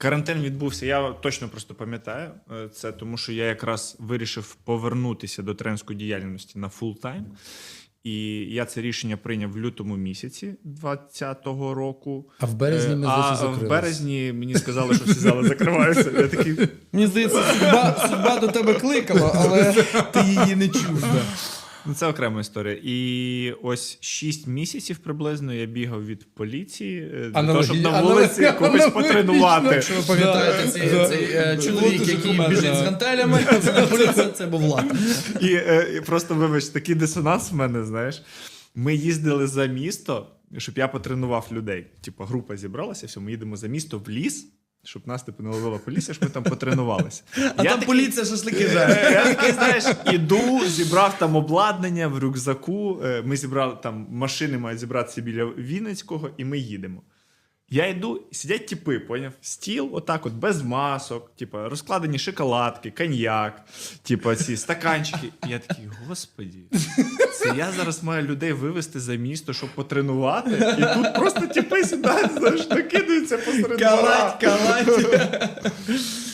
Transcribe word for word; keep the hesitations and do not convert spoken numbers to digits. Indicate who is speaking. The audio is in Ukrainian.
Speaker 1: Карантин відбувся, я точно просто пам'ятаю це, тому що я якраз вирішив повернутися до тренерської діяльності на фултайм. І я це рішення прийняв в лютому місяці двадцятого року.
Speaker 2: А в березні ми
Speaker 1: А
Speaker 2: закрилися.
Speaker 1: в березні мені сказали, що всі зали закриваються. Я такий...
Speaker 3: Мені здається, судьба, судьба до тебе кликала, але ти її не чув. Да.
Speaker 1: Ну, це окрема історія. І ось шість місяців приблизно я бігав від поліції для того, щоб на вулиці
Speaker 2: Аналогі-
Speaker 1: когось потренувати.
Speaker 3: Якщо ви пам'ятаєте, цей,
Speaker 2: Да.
Speaker 3: цей е, чоловік,
Speaker 2: От уже
Speaker 3: який
Speaker 2: команда,
Speaker 3: біжить
Speaker 2: да.
Speaker 3: з гантелями, це не поліція, це був Влад.
Speaker 1: І, е, і просто, вибач, такий дисонанс в мене, знаєш. Ми їздили за місто, щоб я потренував людей. Типа група зібралася, все, ми їдемо за місто в ліс, щоб нас типу не ловила поліція, щоб ми там потренувалися.
Speaker 3: А
Speaker 1: Я
Speaker 3: там
Speaker 1: такий-
Speaker 3: поліція шашлики жарить.
Speaker 1: Е, Я такий, знаєш, іду, зібрав там обладнання в рюкзаку. Е, Ми зібрали там машини, мають зібратися біля Вінницького, і ми їдемо. Я йду, сидять тіпи, поняв? Стіл, отак от, без масок, типу, розкладені шоколадки, коньяк, типу, ці стаканчики. І я такий, господі, це я зараз маю людей вивезти за місто, щоб потренувати, і тут просто тіпи сідають, знаєш, накидаються посеред двора.
Speaker 3: Калать, калать.